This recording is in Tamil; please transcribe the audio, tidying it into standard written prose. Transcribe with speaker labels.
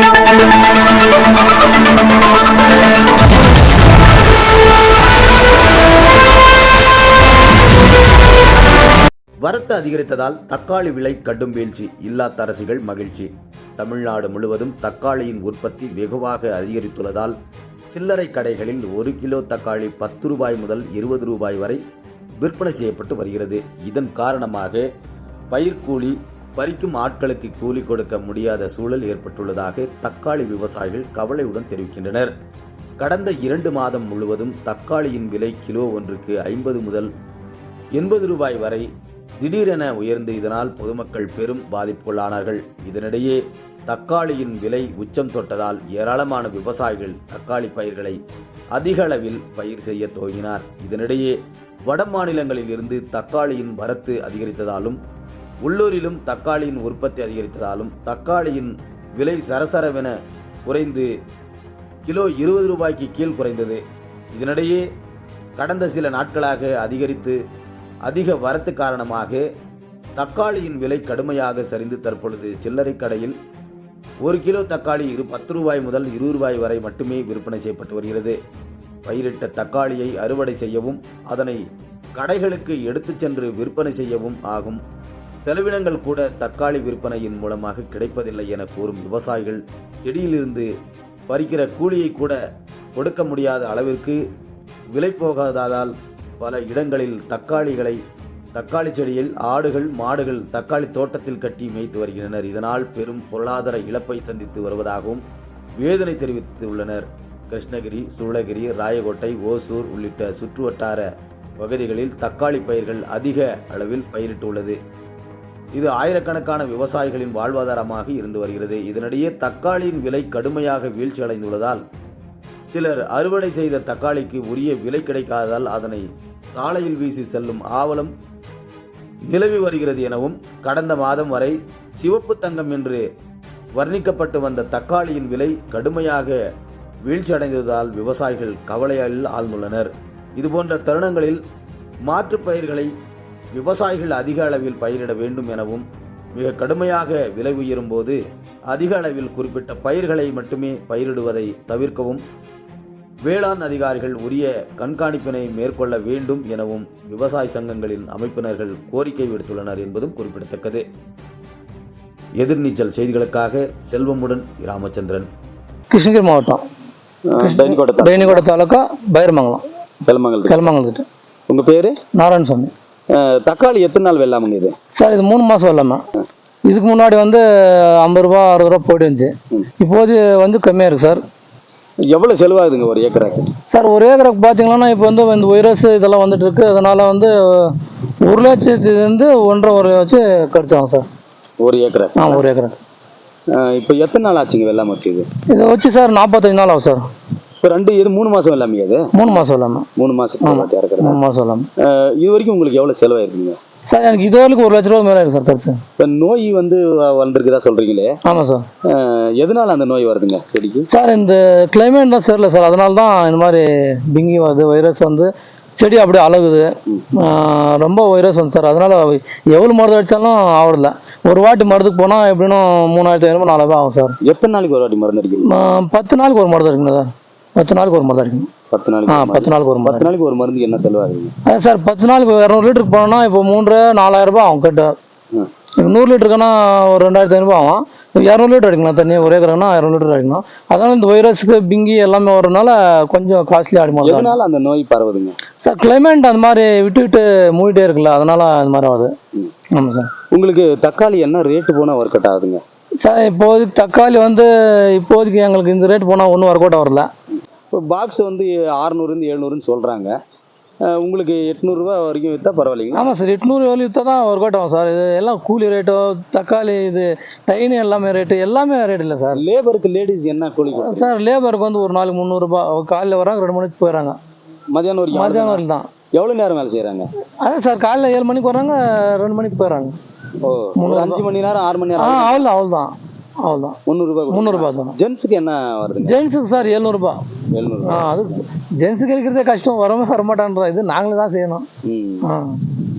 Speaker 1: வரத்து அதிகரித்ததால் தக்காளி விலை கடும் வீழ்ச்சி, இல்லத்தரசிகள் மகிழ்ச்சி. தமிழ்நாடு முழுவதும் தக்காளியின் உற்பத்தி வெகுவாக அதிகரித்துள்ளதால் சில்லறை கடைகளில் 1 கிலோ தக்காளி 10 ரூபாய் முதல் 20 ரூபாய் வரை விற்பனை செய்யப்பட்டு வருகிறது. இதன் காரணமாக பயிர்க்கூலி, பறிக்கும் ஆட்களுக்கு கூலி கொடுக்க முடியாத சூழல் ஏற்பட்டுள்ளதாக தக்காளி விவசாயிகள் கவலையுடன் தெரிவிக்கின்றனர். கடந்த 2 மாதம் முழுவதும் தக்காளியின் விலை கிலோ ஒன்றுக்கு 50 முதல் 80 ரூபாய் வரை திடீரென உயர்ந்து இதனால் பொதுமக்கள் பெரும் பாதிப்புக்குள்ளானார்கள். இதனிடையே தக்காளியின் விலை உச்சம் தொட்டதால் ஏராளமான விவசாயிகள் தக்காளி பயிர்களை அதிக அளவில் பயிர் செய்ய துவங்கினார். இதனிடையே வட மாநிலங்களில் இருந்து தக்காளியின் வரத்து அதிகரித்ததாலும் உள்ளூரிலும் தக்காளியின் உற்பத்தி அதிகரித்ததாலும் தக்காளியின் விலை சரசரவென குறைந்து கிலோ 20 ரூபாய்க்கு கீழ் குறைந்தது. இதனிடையே கடந்த சில நாட்களாக அதிக வரத்து காரணமாக தக்காளியின் விலை கடுமையாக சரிந்து தற்பொழுது சில்லறை கடையில் 1 கிலோ தக்காளி 10 ரூபாய் முதல் 20 ரூபாய் வரை மட்டுமே விற்பனை செய்யப்பட்டு வருகிறது. பயிரிட்ட தக்காளியை அறுவடை செய்யவும் அதனை கடைகளுக்கு எடுத்துச் சென்று விற்பனை செய்யவும் ஆகும் செலவினங்கள் கூட தக்காளி விற்பனையின் மூலமாக கிடைப்பதில்லை என கூறும் விவசாயிகள் செடியிலிருந்து பறிக்கிற கூலியை கூட கொடுக்க முடியாத அளவிற்கு விலை போகாததால் பல இடங்களில் தக்காளி செடியில் ஆடுகள், மாடுகள் தக்காளி தோட்டத்தில் கட்டி மேய்த்து வருகின்றனர். இதனால் பெரும் பொருளாதார இழப்பை சந்தித்து வருவதாகவும் வேதனை தெரிவித்துள்ளனர். கிருஷ்ணகிரி, சூளகிரி, ராயகோட்டை, ஓசூர் உள்ளிட்ட சுற்றுவட்டார பகுதிகளில் தக்காளி பயிர்கள் அதிக அளவில் பயிரிட்டுள்ளது. இது ஆயிரக்கணக்கான விவசாயிகளின் வாழ்வாதாரமாக இருந்து வருகிறது. இதனிடையே தக்காளியின் விலை கடுமையாக வீழ்ச்சி அடைந்துள்ளதால் சிலர் அறுவடை செய்த தக்காளிக்கு உரிய விலை கிடைக்காததால் அதனை சாலையில் வீசி செல்லும் ஆவலம் நிலவி வருகிறது எனவும், கடந்த மாதம் வரை சிவப்பு தங்கம் என்று வர்ணிக்கப்பட்டு வந்த தக்காளியின் விலை கடுமையாக வீழ்ச்சி அடைந்ததால் விவசாயிகள் கவலையில் ஆழ்ந்துள்ளனர். இதுபோன்ற தருணங்களில் மாற்றுப் பயிர்களை விவசாயிகள் அதிக அளவில் பயிரிட வேண்டும் எனவும், மிக கடுமையாக விலை உயரும் போது அதிக அளவில் குறிப்பிட்ட பயிர்களை மட்டுமே பயிரிடுவதை தவிர்க்கவும் வேளாண் அதிகாரிகள் உரிய கண்காணிப்பினை மேற்கொள்ள வேண்டும் எனவும் விவசாய சங்கங்களின் அமைப்பினர்கள் கோரிக்கை விடுத்துள்ளனர் என்பதும் குறிப்பிடத்தக்கது. எதிர்நீச்சல் செய்திகளுக்காக செல்வமுடன் ராமச்சந்திரன்,
Speaker 2: கிருஷ்ணகிரி மாவட்டம், பெயனிக்கோட்டை தாலுக்கா, பைரமங்கலம், கெலமங்கலத்துட்டு.
Speaker 3: உங்கள் பேர்?
Speaker 2: நாராயணசாமி.
Speaker 3: தக்காளி எத்தனை நாள் வெள்ளாமுங்க இது?
Speaker 2: சார் இது 3 மாதம் வெள்ளாமை. இதுக்கு முன்னாடி 50 ரூபா 60 ரூபா போயிட்டு இருந்துச்சு. இப்போது கம்மியாக இருக்குது சார்.
Speaker 3: எவ்வளோ செலவாகுதுங்க ஒரு ஏக்கராக்கு?
Speaker 2: சார் ஒரு ஏக்கருக்கு பார்த்தீங்கன்னா இப்போ இந்த வைரஸ் இதெல்லாம் வந்துட்டு இருக்கு. அதனால 1 லட்சத்துலேருந்து 1.5 வச்சு கிடச்சாங்க சார்
Speaker 3: ஒரு ஏக்கரா.
Speaker 2: ஒரு ஏக்கரா.
Speaker 3: இப்போ எத்தனை நாள் ஆச்சுங்க வெள்ளாமை வச்சு?
Speaker 2: இதை வச்சு சார் 45 நாள் ஆகும் சார்.
Speaker 3: இப்போ 3 மாதம் வெள்ளாமையா? அது
Speaker 2: 3 மாதம் வெள்ளாமை.
Speaker 3: 3 மாதம் இறக்குறது.
Speaker 2: 3 மாதம் வெள்ளாமை.
Speaker 3: இது வரைக்கும் உங்களுக்கு எவ்வளோ செலவாயிருக்குங்க
Speaker 2: சார்? எனக்கு இது வரைக்கும் 1 லட்ச ரூபா மேலே இருக்குது சார் கருத்து.
Speaker 3: இப்போ நோய் வந்திருக்குதா சொல்கிறீங்களே?
Speaker 2: ஆமாம் சார்.
Speaker 3: எதனால அந்த நோய் வருதுங்க செடிக்கு?
Speaker 2: சார் இந்த கிளைமேட் தான் சரியில்லை சார். அதனால தான் இந்த மாதிரி பிங்கி வருது, வைரஸ் செடி அப்படியே அழகுது. ரொம்ப வைரஸ் சார். அதனால எவ்வளோ மருந்து அடித்தாலும் ஆகல. ஒரு வாட்டி மருந்துக்கு போனால் எப்படின்னா 3500 4000 ஆகும் சார்.
Speaker 3: எத்தனை நாளைக்கு ஒரு வாட்டி மருந்து அடிக்கணும்?
Speaker 2: 10 நாளுக்கு ஒரு மருந்து அடிக்கணும் சார். 10 நாளுக்கு ஒரு மருந்து அடிக்கணும். 10 நாளுக்கு ஒரு
Speaker 3: 10 நாளைக்கு ஒரு மருந்து என்ன செலவாகுங்க?
Speaker 2: அதான் சார் 10 நாளுக்கு 200 லிட்டருக்கு போனோம்னா இப்போ 4000 ரூபாய் ஆகும் கட்டு. 100 லிட்டருக்குன்னா ஒரு 2500 ஆகும். 200 லிட்டர் அடிக்கணும் தண்ணி. ஒரே ஏக்கருக்குன்னா 200 லிட்டர் அடிக்கணும். அதனால இந்த வைரஸுக்கு பிங்கி எல்லாமே வரதுனால கொஞ்சம் காஸ்ட்லி ஆகிடும்.
Speaker 3: அதனால அந்த நோய் பரவுதுங்க
Speaker 2: சார். கிளைமேட் அந்த மாதிரி விட்டு மூடிட்டே இருக்குல்ல, அதனால அந்த மாதிரி ஆகுது. ஆமாம் சார்.
Speaker 3: உங்களுக்கு தக்காளி என்ன ரேட்டு போனால் ஒர்க் அவுட் ஆகுதுங்க
Speaker 2: சார்? இப்போதைக்கு தக்காளி இப்போதைக்கு எங்களுக்கு இந்த ரேட் போனால் ஒன்றும் ஒர்க் அவுட் வரல.
Speaker 3: இப்போ பாக்ஸ் 600 700 சொல்கிறாங்க. உங்களுக்கு 800 ரூபா வரைக்கும் விற்றா பரவாயில்லைங்க?
Speaker 2: ஆமாம் சார். 800 வரையும் விற்றா தான் ஒர்க் அவுட் ஆகும் சார். இது எல்லாம் கூலி ரேட்டோ, தக்காளி டைனு எல்லாமே ரேட் இல்லை சார்.
Speaker 3: லேபருக்கு லேடிஸ் என்ன கூலி
Speaker 2: சார்? லேபருக்கு ஒரு நாளைக்கு 300 ரூபா. காலையில் வராங்க, 2 மணிக்கு போயிடறாங்க.
Speaker 3: மதியானம் வரைக்கும்
Speaker 2: தான்.
Speaker 3: எவ்வளோ நேரம் வேலை செய்கிறாங்க?
Speaker 2: அதான் சார், காலையில் 7 மணிக்கு வராங்க, 2 மணிக்கு போயிடறாங்க.
Speaker 3: ஓ, 5 மணி நேரம் 6 மணி நேரம்.
Speaker 2: அவ்வளோதான். 300 ரூபா தான்.
Speaker 3: ஜென்ஸுக்கு என்ன வருது?
Speaker 2: ஜென்ஸுக்கு சார் 700 ரூபா. அது ஜென்ஸுக்கு இருக்கிறதே கஷ்டம். வரமாட்டான்றா. இது நாங்களே தான் செய்யணும்.